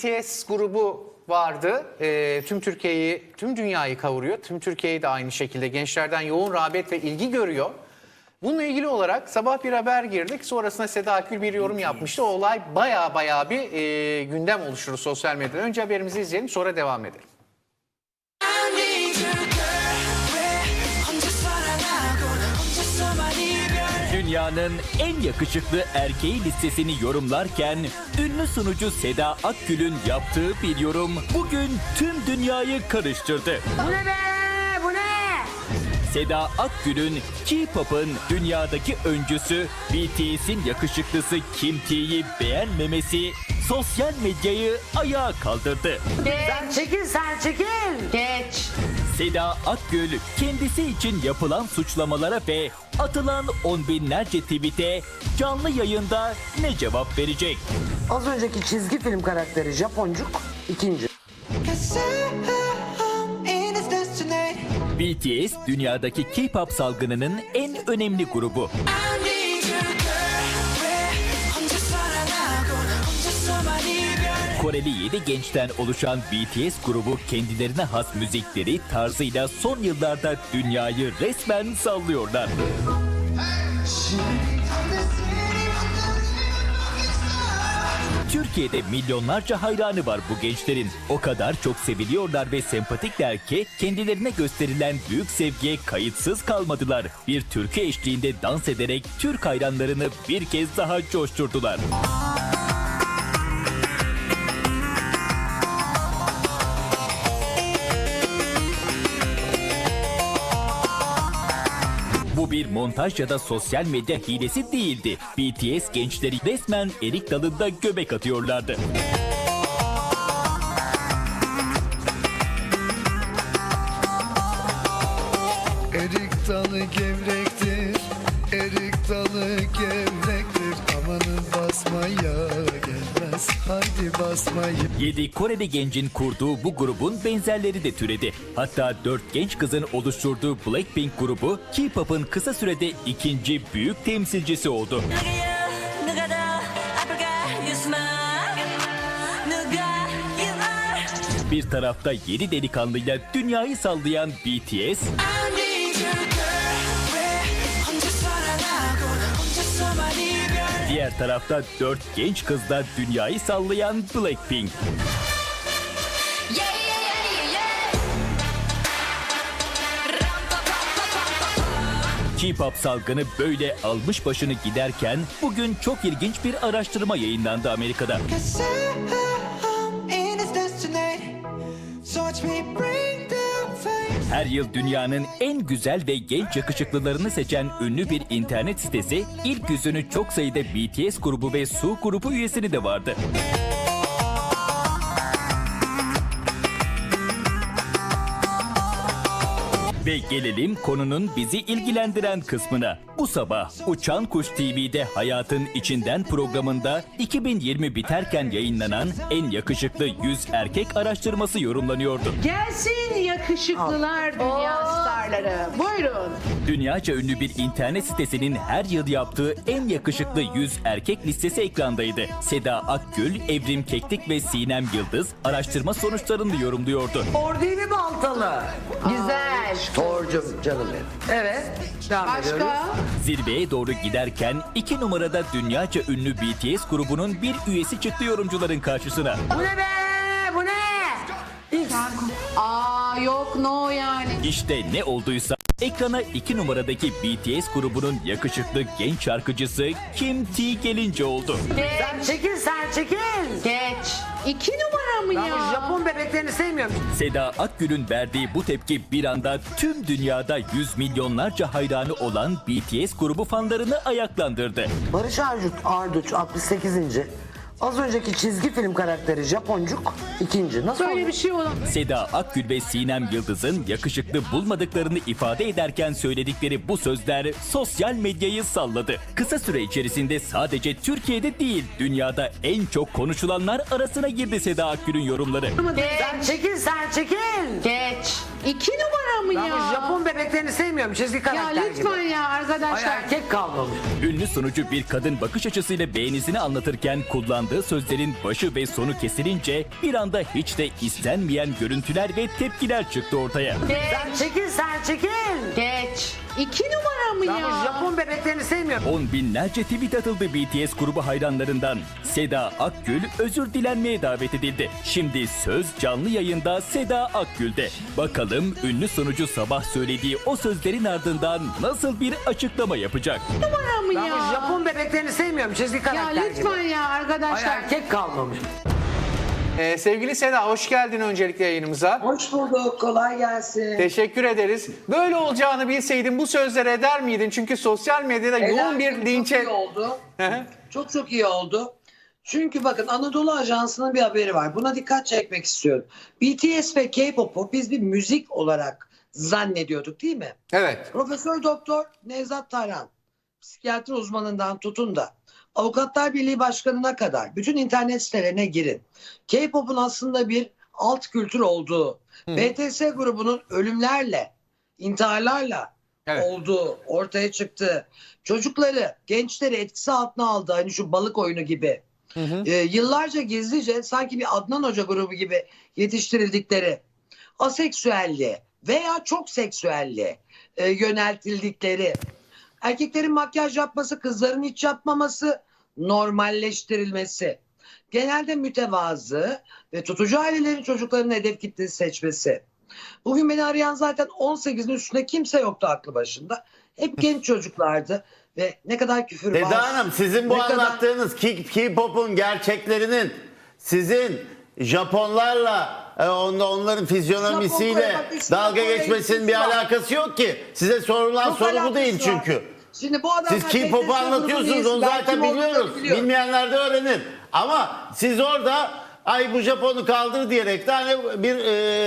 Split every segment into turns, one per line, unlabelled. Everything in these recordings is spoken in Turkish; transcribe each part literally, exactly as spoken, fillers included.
B T S grubu vardı. E, tüm Türkiye'yi, tüm dünyayı kavuruyor. Tüm Türkiye'yi de aynı şekilde gençlerden yoğun rağbet ve ilgi görüyor. Bununla ilgili olarak sabah bir haber girdik. Sonrasında Seda Akgül bir yorum yapmıştı. O olay baya baya bir e, gündem oluşturdu sosyal medyada. Önce haberimizi izleyelim, sonra devam edelim.
Dünyanın en yakışıklı erkeği listesini yorumlarken ünlü sunucu Seda Akgül'ün yaptığı bir yorum bugün tüm dünyayı karıştırdı.
Bu ne be? Bu ne?
Seda Akgül'ün K-pop'un dünyadaki öncüsü B T S'in yakışıklısı Kim T'yi beğenmemesi sosyal medyayı ayağa kaldırdı.
Sen çekil, sen çekil.
Geç.
Seda Akgül kendisi için yapılan suçlamalara ve atılan on binlerce tweet'e canlı yayında ne cevap verecek?
Az önceki çizgi film karakteri Japoncuk ikinci.
B T S dünyadaki K-pop salgınının en önemli grubu. Koreli yedi gençten oluşan B T S grubu kendilerine has müzikleri tarzıyla son yıllarda dünyayı resmen sallıyorlar. Türkiye'de milyonlarca hayranı var bu gençlerin. O kadar çok seviliyorlar ve sempatikler ki kendilerine gösterilen büyük sevgiye kayıtsız kalmadılar. Bir türkü eşliğinde dans ederek Türk hayranlarını bir kez daha coşturdular. Bu bir montaj ya da sosyal medya hilesi değildi. B T S gençleri resmen erik dalında göbek atıyorlardı.
Erik dalı gevrektir, erik dalı gevrektir. Amanın basmaya gelmez, haydi basmayı.
yedi Koreli gencin kurduğu bu grubun benzerleri de türedi. Hatta dört genç kızın oluşturduğu Blackpink grubu K-pop'un kısa sürede ikinci büyük temsilcisi oldu. Bir tarafta yedi delikanlıyla dünyayı sallayan B T S, diğer tarafta dört genç kızla dünyayı sallayan Blackpink. K-pop salgını böyle almış başını giderken bugün çok ilginç bir araştırma yayınlandı Amerika'da. Her yıl dünyanın en güzel ve genç yakışıklılarını seçen ünlü bir internet sitesi ilk yüzünü çok sayıda B T S grubu ve Su grubu üyesini de vardı. Ve gelelim konunun bizi ilgilendiren kısmına. Bu sabah Uçan Kuş T V'de Hayatın İçinden programında iki bin yirmi biterken yayınlanan en yakışıklı yüz erkek araştırması yorumlanıyordu.
Gelsin yakışıklılar dünya starları. Buyurun.
Dünyaca ünlü bir internet sitesinin her yıl yaptığı en yakışıklı yüz erkek listesi ekrandaydı. Seda Akgül, Evrim Keklik ve Sinem Yıldız araştırma sonuçlarını yorumluyordu.
Or değil mi Baltalı?
Güzel.
Torcum canım benim. Evet. Devam ediyoruz.
Başka?
Zirveye doğru giderken iki numarada dünyaca ünlü B T S grubunun bir üyesi çıktı yorumcuların karşısına.
Bu ne be? Bu ne? X.
Aa yok no yani.
İşte ne olduysa ekrana iki numaradaki B T S grubunun yakışıklı genç şarkıcısı Kim T gelince oldu.
Sen çekil, sen çekil.
Geç. İki numara mı
Ben bu
ya?
Japon bebeklerini sevmiyorum.
Seda Akgül'ün verdiği bu tepki bir anda tüm dünyada yüz milyonlarca hayranı olan B T S grubu fanlarını ayaklandırdı.
Barış Arduç, Arduç altmış sekizinci. Az önceki çizgi film karakteri Japoncuk ikinci. Nasıl
Böyle
oldu?
bir şey olan.
Seda Akgül ve Sinem Yıldız'ın yakışıklı bulmadıklarını ifade ederken söyledikleri bu sözler sosyal medyayı salladı. Kısa süre içerisinde sadece Türkiye'de değil, dünyada en çok konuşulanlar arasına girdi Seda Akgül'ün yorumları.
Sen çekil, sen çekil.
Geç. İki numara mı
Ben
ya?
bu Japon bebeklerini sevmiyorum. Çizgi
Ya
karakter gibi.
lütfen ya
Ay
arkadaşlar.
erkek kalmamış.
Ünlü sunucu bir kadın bakış açısıyla beğenisini anlatırken kullandığı kullandığı sözlerin başı ve sonu kesilince bir anda hiç de istenmeyen görüntüler ve tepkiler çıktı ortaya.
Sen çekil sen çekil.
Geç. İki numara mı
Ben bu
ya?
Japon bebeklerini sevmiyorum.
On binlerce tweet atıldı B T S grubu hayranlarından. Seda Akgül özür dilenmeye davet edildi. Şimdi söz canlı yayında Seda Akgül'de. Bakalım ünlü sunucu sabah söylediği o sözlerin ardından nasıl bir açıklama yapacak?
Numara mı
Ben bu
ya?
Japon bebeklerini sevmiyorum. Çizgi
Ya
karakter
lütfen
gibi.
ya
Ay,
arkadaşlar.
erkek kalmamış.
Ee, sevgili Seda hoş geldin öncelikle yayınımıza.
Hoş bulduk, kolay gelsin.
Teşekkür ederiz. Böyle olacağını bilseydin bu sözleri eder miydin? Çünkü sosyal medyada yoğun
Helal
bir
olsun,
linçe...
Çok iyi oldu.
Hı hı.
Çok çok iyi oldu. Çünkü bakın Anadolu Ajansı'nın bir haberi var. Buna dikkat çekmek istiyorum. B T S ve K-pop'u biz bir müzik olarak zannediyorduk değil mi?
Evet.
Profesör Doktor Nevzat Tarhan, psikiyatri uzmanından tutun da Avukatlar Birliği Başkanı'na kadar bütün internet sitelerine girin. K-pop'un aslında bir alt kültür olduğu, B T S grubunun ölümlerle, intiharlarla
Evet.
olduğu ortaya çıktı. Çocukları, gençleri etkisi altına aldı. Hani şu balık oyunu gibi. Ee, yıllarca gizlice sanki bir Adnan Hoca grubu gibi yetiştirildikleri, aseksüelliğe veya çok seksüelliğe e, yöneltildikleri, erkeklerin makyaj yapması, kızların hiç yapmaması, normalleştirilmesi, genelde mütevazı ve tutucu ailelerin çocuklarının hedef kitlesi seçmesi. Bugün beni arayan zaten on sekizin üstünde kimse yoktu aklı başında. Hep genç çocuklardı ve ne kadar küfür var.
Seda Hanım, sizin bu
ne kadar-
anlattığınız K- K-pop'un gerçeklerinin sizin Japonlarla e, on- onların fizyonomisiyle
Japon Kore, bak,
dalga
Kore
geçmesinin bir
ilgisi var.
alakası yok ki. Size sorulan
Çok
soru bu
alakası
değil
var.
çünkü.
Şimdi bu adamlar
Siz K-pop'u
B T S
anlatıyorsunuz,
grubunun
onu
üyesi. Ben
zaten
kim olduklarını
biliyoruz.
biliyorum.
Bilmeyenler de öğrenir. Ama siz orada ay bu Japon'u kaldır diyerek de hani bir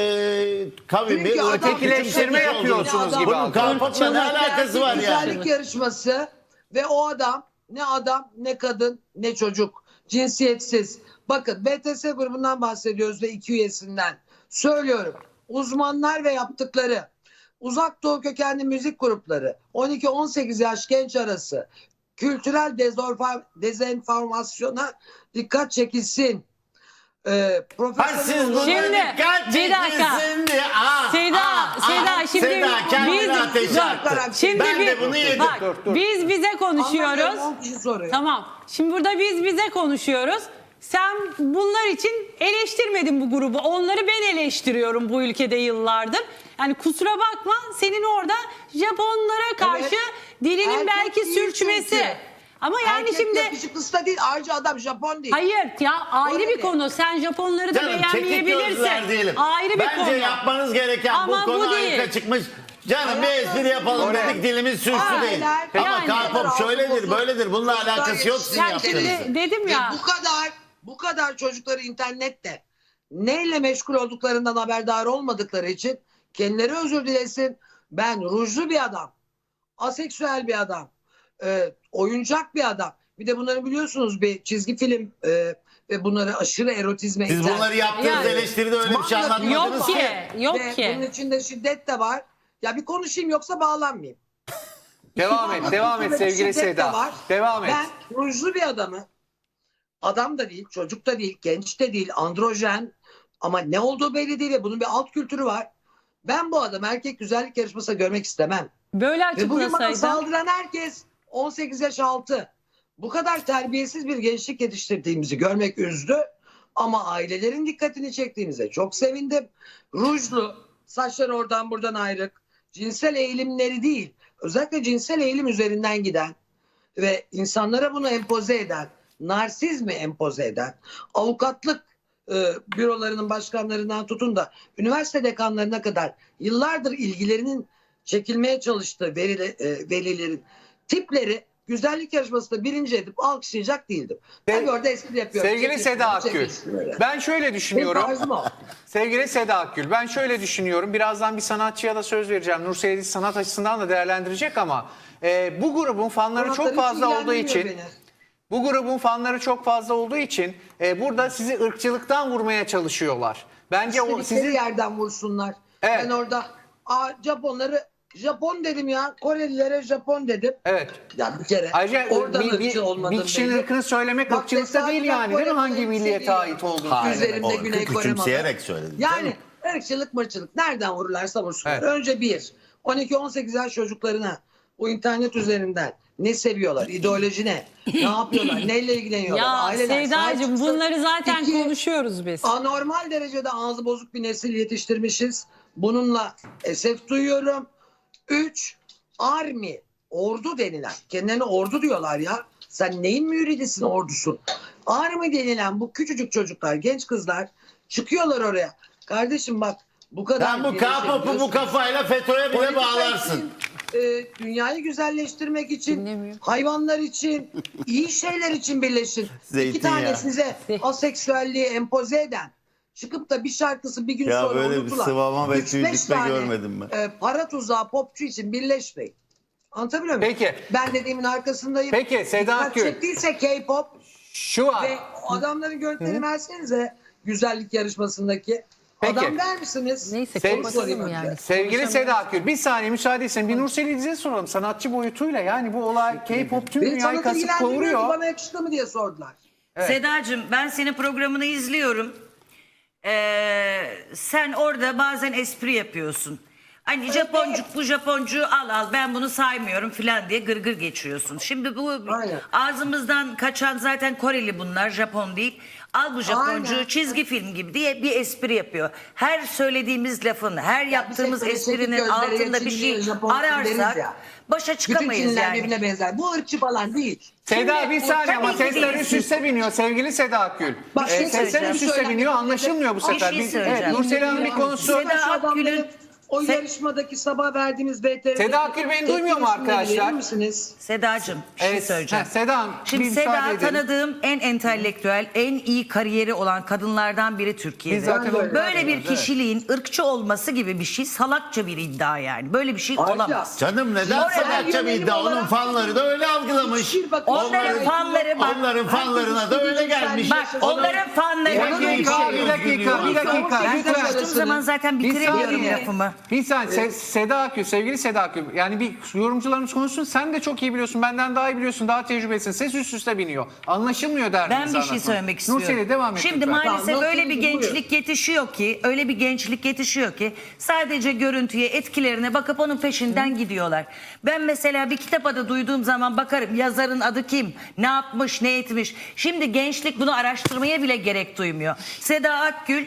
e, kavim,
Çünkü
bir
adam-
Ötekileştirme
Adam-
yapıyorsunuz
Adam-
gibi
Bunun
algıladım.
K-pop'la ne alakası var yani?
Güzellik yarışması ve o adam ne adam ne kadın ne çocuk, cinsiyetsiz. Bakın B T S grubundan bahsediyoruz ve iki üyesinden. Söylüyorum, uzmanlar ve yaptıkları uzak doğu kökenli müzik grupları on iki on sekiz yaş genç arası kültürel dezorfa- dezenformasyona dikkat çekilsin. Ee,
Ha
profesyonel
siz buna
Şimdi,
dikkat
bir dakika.
çekilsin diye. Aa,
Seda,
aa,
Seda,
aa.
şimdi
Seda kendini
biz-
ateşe
Dur,
attı.
Şimdi
ben
biz,
de bunu yedim.
bak, biz bize
Anlatıyorum,
konuşuyoruz.
on kişi soruyor.
Tamam. Şimdi burada biz bize konuşuyoruz. Sen bunlar için eleştirmedin bu grubu. Onları ben eleştiriyorum bu ülkede yıllardır. Yani kusura bakma, senin orada Japonlara karşı
Evet.
dilinin
Erkek
belki
değil
sürçmesi.
çünkü.
Ama yani
Erkek
şimdi
yakışıklısı da değil, ayrıca adam Japon değil.
hayır ya, ayrı
Öyle
bir
mi?
konu. Sen Japonları da
Canım çekik
beğenmeyebilirsin.
gözler diyelim.
Ayrı bir
Bence
konu.
yapmanız gereken
Ama
bu konu
bu değil.
harika çıkmış. Canım bir
Hayatım,
espri yapalım
Oraya.
dedik, dilimiz sürçtü
Aa,
değil.
helal.
Ama
Yani.
K-pop şöyledir böyledir, bununla
Çocuklar
alakası yok sizin
Yani
yetiştirin.
yaptığınızın.
şimdi dedim ya.
Ve bu kadar bu kadar çocukları internette neyle meşgul olduklarından haberdar olmadıkları için kendileri özür dilesin. Ben rujlu bir adam, aseksüel bir adam, e, oyuncak bir adam. Bir de bunları biliyorsunuz bir çizgi film e, ve bunları aşırı erotizme
Siz
iten-
bunları yaptığınız
Yani.
eleştiride öyle bir şey
Manga
anlatmadınız
Yok
ki.
ki, yok
ve
ki.
bunun içinde şiddet de var. Ya bir konuşayım yoksa bağlanmayayım.
Devam et, devam et sevgili
Şiddet de
Seda.
var.
Devam et.
Ben rujlu bir adamı, adam da değil, çocuk da değil, genç de değil, androjen ama ne olduğu belli değil ve bunun bir alt kültürü var. Ben bu adamı erkek güzellik yarışmasında görmek istemem.
Böyle
Ve bugün bana
açıklasaydın.
saldıran herkes on sekiz yaş altı. Bu kadar terbiyesiz bir gençlik yetiştirdiğimizi görmek üzdü. Ama ailelerin dikkatini çektiğimize çok sevindim. Rujlu, saçları oradan buradan ayrık, cinsel eğilimleri değil, özellikle cinsel eğilim üzerinden giden ve insanlara bunu empoze eden, narsizmi empoze eden, avukatlık e, bürolarının başkanlarından tutun da üniversite dekanlarına kadar yıllardır ilgilerinin çekilmeye çalıştığı verili, e, velilerin tipleri güzellik yarışmasında birinci edip alkışlayacak değildim. Ben orada espri yapıyorum.
Sevgili
Çekilsin,
Seda Akgül,
çekilsin öyle.
ben şöyle
Benim
düşünüyorum.
tarzım o.
Sevgili Seda Akgül, ben şöyle düşünüyorum. Birazdan bir sanatçıya da söz vereceğim. Nursel sanat açısından da değerlendirecek ama e, bu grubun fanları çok
Sanatları
fazla
hiç
olduğu için,
ilgilendirmiyor beni.
bu grubun fanları çok fazla olduğu için e, burada sizi ırkçılıktan vurmaya çalışıyorlar. Bence o
İstedikleri
sizin
yerden vursunlar.
Evet.
Ben orada Aa, Japonları Japon dedim ya. Korelilere Japon dedim.
Evet.
Ya bir kere.
Ayrıca
oradan
bir, bir,
ırkçı olmadım
bir kişinin
belli.
ırkını söylemek
Bak,
ırkçılıkta
tesadüfen
değil yani değil mi?
Kore
Hangi
temsil
milliyete
ediyor.
ait olduğunu.
Hayır,
Üzerimde
o
Güney Kore
küçümseyerek
malı.
söyledin.
Yani ırkçılık mırçılık nereden vururlarsa vursunlar.
Evet.
Önce bir, on iki on sekiz yaş çocuklarına bu internet üzerinden ne seviyorlar, ideoloji ne, ne yapıyorlar, neyle ilgileniyorlar,
Ya
aileler sahip
Seyda'cığım
çıksın.
bunları zaten
İki,
konuşuyoruz biz.
anormal derecede ağzı bozuk bir nesil yetiştirmişiz. Bununla esef duyuyorum. Üç, army, ordu denilen, kendilerine ordu diyorlar ya. Sen neyin müridisin, ordusun? Army denilen bu küçücük çocuklar, genç kızlar çıkıyorlar oraya. Kardeşim bak bu kadar...
Sen bu K-pop'u bu
birleşebiliyorsun.
kafayla FETÖ'ye bile
Politika
bağlarsın.
için, e, dünyayı güzelleştirmek için,
Dinlemiyor.
hayvanlar için, iyi şeyler için birleşin.
Zeytin
İki tane
ya.
size aseksüelliği empoze eden, çıkıp da bir şarkısı bir gün
Ya
sonra
böyle bir
unutulan
sıvama ve
üç beş
tüydükme
tane,
görmedim ben.
E, para tuzağı popçu için birleşmeyin. Anlatabiliyor muyum?
Peki.
Ben dediğimin arkasındayım.
Peki, Seda
Dikkat
Akgül.
çektiyse K-pop
Şu var.
ve o adamların görüntülerini versenize güzellik yarışmasındaki.
Peki.
Adam der misiniz?
Neyse
Sev-
kapatalım yani.
Sevgili Seda Akgül bir saniye müsaade etsin. Bir Nursel İdiz'e soralım. Sanatçı boyutuyla yani bu olay K-pop tüm
Beni
dünyayı
sanatı
kasıp
ilgilendirmiyor ki,
kavuruyor.
bana yakıştı mı diye sordular.
Sedacığım ben senin programını izliyorum. Ee, sen orada bazen espri yapıyorsun. Hani Japoncuk bu Japoncuğu al al ben bunu saymıyorum filan diye gırgır geçiyorsun. Şimdi bu
Aynen.
ağzımızdan kaçan zaten Koreli bunlar, Japon değil. Al bu Japoncuğu
Aynen.
çizgi film gibi diye bir espri yapıyor. Her söylediğimiz lafın, her yaptığımız
hep böyle çekik
esprinin
gözleri,
altında bir
Çinli,
şey
Japon deriz
ararsak
ya.
başa
Bütün
çıkamayız
Çinliler
yani.
birbirine benzer. Bu ırkçı falan değil.
Seda bir saniye ama
tabii ki
sesler
değil.
üst üste biniyor sevgili Seda Akgül.
Bak,
Ee,
şey
sesler
söyleyeceğim.
üst üste biniyor anlaşılmıyor bu
Bir
sefer.
şey
Bir-
söyleyeceğim.
evet, Nursel Hanım bir konusu.
Seda
Şu adamların
Akgül'ün-
o
Se-
yarışmadaki sabah verdiğimiz B T R'deki
Seda Akgül beni duymuyor mu
tepki
arkadaşlar?
verir misiniz?
Sedacığım bir şey
Evet,
söyleyeceğim.
ha, Seda Hanım,
Şimdi
bir müsaade
Seda
edelim.
tanıdığım en entelektüel, en iyi kariyeri olan kadınlardan biri Türkiye'de.
Biz zaten onu
Böyle bir
biliyoruz, evet.
kişiliğin ırkçı olması gibi bir şey salakça bir iddia yani. Böyle bir şey
Ayrıca-
olamaz.
Canım neden
Oraya
sanatçı bir
yönelim
iddia? Onun
olarak-
fanları da öyle algılamış.
Hiçbir bakın-
Onların
Onların-
fanları bak.
Onların fanlarına da öyle gelmiş.
Bak onların fanları.
Bir
Onun
dakika,
bir
bir
şey
dakika, bir dakika.
Ben
Lütfen.
konuştuğum zaman zaten
Bir
bitiremiyorum
saniye.
lafımı.
Bir saniye Se- Seda Akgül, sevgili Seda Akgül. Yani bir yorumcularımız konuşsun. Sen de çok iyi biliyorsun. Benden daha iyi biliyorsun. Daha tecrübelisin. Ses üst üste biniyor. Anlaşılmıyor derdinizi
Ben bir şey
anlatın.
söylemek istiyorum.
Nursel'e devam et
Şimdi
lütfen.
maalesef
Tamam,
öyle bir
Nursel'cim,
gençlik yetişiyor ki, öyle bir gençlik yetişiyor ki sadece görüntüye, etkilerine bakıp onun peşinden gidiyorlar. Ben mesela bir kitap adı duyduğum zaman bakarım yazarın adı kim, ne yapmış, ne etmiş. Şimdi gençlik bunu araştırmaya bile gerek duymuyor. Seda Akgül,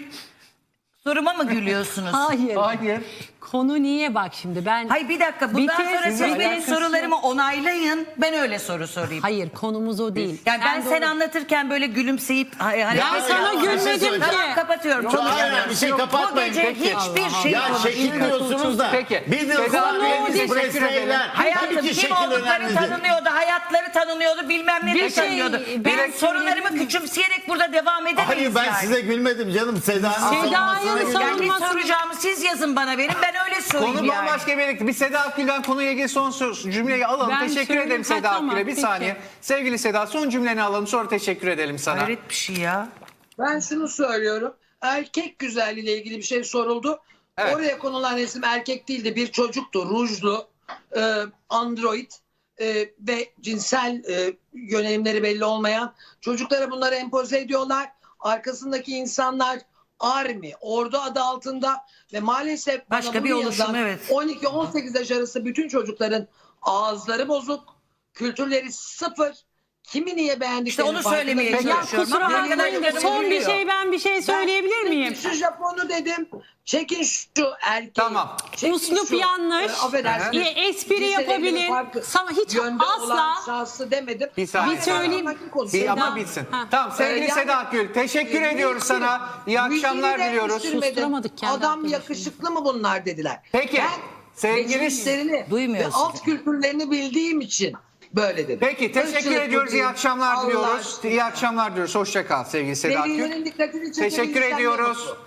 soruma mı gülüyorsunuz?
Hayır.
Hayır.
Konu niye bak şimdi ben...
Hayır bir dakika bundan
Bir kez-
sonra siz
Sizin
benim
alakası
sorularımı onaylayın, ben öyle soru sorayım.
Hayır konumuz o değil.
Yani ben
doğru-
sen anlatırken böyle gülümseyip... Hani,
Ya
sana
ya,
gülmedim
bir şey
ki.
söyleyeceğim.
Tamam kapatıyorum.
Yok,
Çok
hayır,
üzüldüm.
hayır, bir şey
Bu
kapatmayın.
gece
Peki.
hiçbir şey
Ya şekil diyorsunuz da.
Peki.
Bir de
Seda
ufak
Akgül,
bir
teşekkür
espresler.
ederim.
Hayatım
Tabii ki
kim
şekil
oldukları
önemlidir.
tanınıyordu, hayatları tanınıyordu, bilmem ne de
Bir şey-
tanınıyordu.
ben
Ben sorularımı
söyleyebilir
küçümseyerek burada devam edemeyiz
Hayır ben
yani.
size gülmedim canım. Seda'nın
Seda'yı
savunmasına güldüm.
Yani ne
savunmasını-
soracağımı siz yazın bana verin, ben öyle söyleyeyim
Konu
yani.
bambaşka bir yere. Bir Seda Akgül'den konuya ilgili son sö- cümleyi alalım.
Ben
teşekkür
söyleyeyim.
ederim
Ha,
Seda
tamam,
Akgül'e. Bir
peki.
saniye. Sevgili Seda son cümleni alalım sonra teşekkür edelim sana.
Hayret bir şey ya.
Ben şunu söylüyorum. Erkek güzelliğiyle ilgili bir şey soruldu.
Evet.
Oraya konulan resim erkek değildi. Bir çocuktu. Rujlu, e, android e, ve cinsel e, yönelimleri belli olmayan çocuklara bunları empoze ediyorlar. Arkasındaki insanlar Army, ordu adı altında ve maalesef bana
Başka
bunu
bir oluşum,
yazan
evet.
on iki on sekiz yaş arası bütün çocukların ağızları bozuk, kültürleri sıfır. Kimi niye beğendiklerini
İşte onu
farkında
söylemeye
değiller.
Ya
çalışıyorum.
kusura
Ama
bakmayın
arkadaşlarım
son bir
gülüyor.
şey ben bir şey söyleyebilir
Ben
miyim?
Şu Japon'u dedim. Çekin şu erkeği.
Tamam.
Çekin
Uslup
şu,
yanlış.
e, affedersiniz.
Ya, espri
Liselerinin
yapabilir.
farklı
Sana hiç
yönde
asla-
olan şahsı demedim.
Bir saniye.
Bir söyleyeyim.
Aynen, konusu.
Bir, ama
Seda-
bitsin.
Ha.
Tamam sevgili
Ee, yani-
Seda Akgül teşekkür
Ee,
ediyoruz
müziği-
sana. İyi akşamlar
müziğini de
diliyoruz.
eleştirmedim.
Susturamadık kendi
Adam
arkadaşını.
yakışıklı mı bunlar dediler.
Peki,
Ben
sevgili-
geçmişlerini ve
Duymuyor
alt
sizi.
kültürlerini bildiğim için böyle dedim.
Peki teşekkür
Irkçılık
ediyoruz.
bu
İyi
değil.
akşamlar
Allah
diliyoruz.
aşkına.
İyi akşamlar diyoruz. Hoşça kal sevgili Seda Akgül.
Velilerin dikkatini çekebilirsen
Teşekkür
ne
ediyoruz.
mutlu.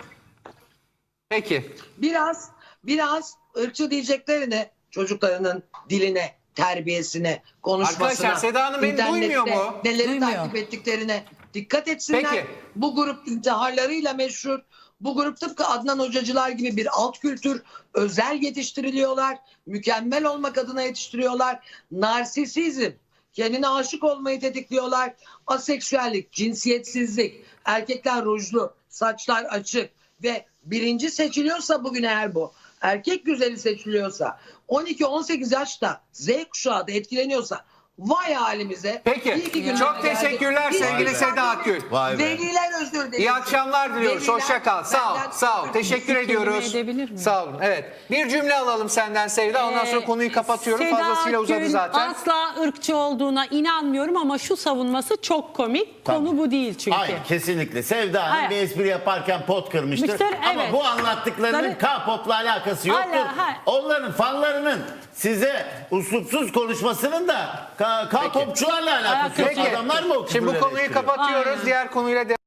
Peki.
Biraz biraz ırkçı diyeceklerine çocuklarının diline, terbiyesine, konuşmasına,
Arkadaşlar, Seda Hanım beni
internette
duymuyor mu?
neleri
Duymuyor.
takip ettiklerine Dikkat etsinler.
Peki.
Bu grup intiharlarıyla meşhur. Bu grup tıpkı Adnan Hocacılar gibi bir alt kültür, özel yetiştiriliyorlar. Mükemmel olmak adına yetiştiriyorlar. Narsisizm, kendine aşık olmayı tetikliyorlar. Aseksüellik, cinsiyetsizlik, erkekler rujlu, saçlar açık ve birinci seçiliyorsa bugün eğer bu, erkek güzeli seçiliyorsa, on iki on sekiz yaşta Z kuşağı da etkileniyorsa, vay halimize.
Peki.
İyi ki günler
Çok
geldi.
teşekkürler
Biz-
sevgili
Biz-
Seda Akgül.
Vay be.
Veliler özür dilerim.
İyi akşamlar diliyoruz.
Veliler
Hoşça kal. Sağ ol.
benden
Sağ ol.
özür
Teşekkür
kelime
ediyoruz.
edebilir miyim?
Sağ olun. Evet. Bir cümle alalım senden Sevda. Ondan sonra
Ee,
konuyu kapatıyorum.
Seda
Fazlasıyla uzadı
Akgül
zaten.
asla ırkçı olduğuna inanmıyorum ama şu savunması çok komik. Konu bu değil çünkü.
Hayır kesinlikle. Sevda Hanım
Hayır.
bir espri yaparken pot kırmıştır.
Müşteri,
Ama
evet.
bu anlattıklarının
Tabii.
K-pop'la alakası yoktur.
Hala, hayır.
Onların fanlarının size uslupsuz konuşmasının da K- K-popçularla alakası yok.
Peki.
Adamlar mı o
Şimdi bu
küfürleri
konuyu
ettiriyor?
kapatıyoruz.
Aynen.
Diğer konuyla devam